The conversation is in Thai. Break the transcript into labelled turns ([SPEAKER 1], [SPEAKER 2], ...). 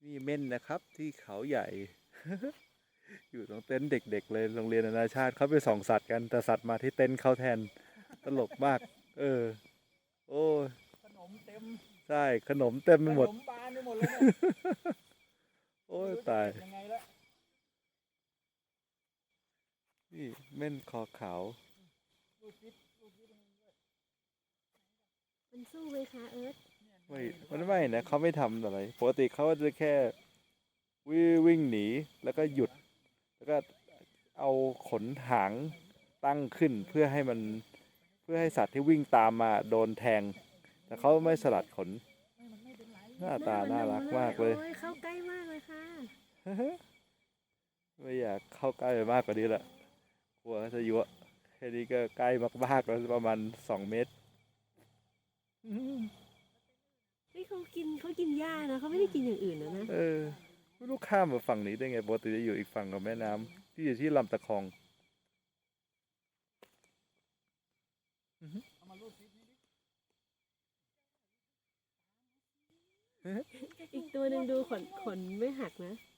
[SPEAKER 1] นี่เม่นนะครับที่เขาใหญ่ อยู่ตรงเต็นท์เด็กๆเลยโรงเรียนนานาชาติเขาไปส่องสัตว์กันแต่สัตว์มาที่เต็นท์เขาแทนตลกมากเออโอ้
[SPEAKER 2] ขนมเต็ม
[SPEAKER 1] ใช่ขนมเต็มไป
[SPEAKER 2] ข
[SPEAKER 1] หมด
[SPEAKER 2] นมบานไปหมดเลยเนี่ย
[SPEAKER 1] โอ้ย
[SPEAKER 2] ไม่รู้จะ
[SPEAKER 1] ตาย
[SPEAKER 2] เก็บยังไงละ
[SPEAKER 1] นี่เม่นคอขาว
[SPEAKER 2] ลูกคิดมันด้วย
[SPEAKER 3] มันสู้ไหมคะเอิร์ธ
[SPEAKER 1] ไม่มันไม่นะเขาไม่ทำอะไรปกติเขาจะแค่วิ่งหนีแล้วก็หยุด แล้วก็เอาขนหางตั้งขึ้นเพื่อให้มันเพื่อให้สัตว์ที่วิ่งตามมาโดนแทง แต่เขาไม่สลัดขน
[SPEAKER 2] มันไม่เป็นไร
[SPEAKER 1] หน้าตาน่ารักมากเลย
[SPEAKER 3] โอ้ยเข้าใกล้มากเลยค่ะ
[SPEAKER 1] ไม่อยากเข้าใกล้ไปมากกว่านี้ละกลัวจะยั่วแค่นี้ก็ใกล้มากๆแล้วประมาณ2 เมตร
[SPEAKER 3] เฮ้ยเขากินหญ้านะเขาไม่ได้กินอย่างอื่นนะ
[SPEAKER 1] เออไม่รู้ข้ามมาฝั่งนี้ได้ไงปกติจะอยู่อีกฝั่งของแม่น้ำที่อยู่ที่ลำตะคอง
[SPEAKER 2] เอามาลูกคิดนี่ดิ
[SPEAKER 3] อีกตัวหนึ่งดูขนไม่หักนะ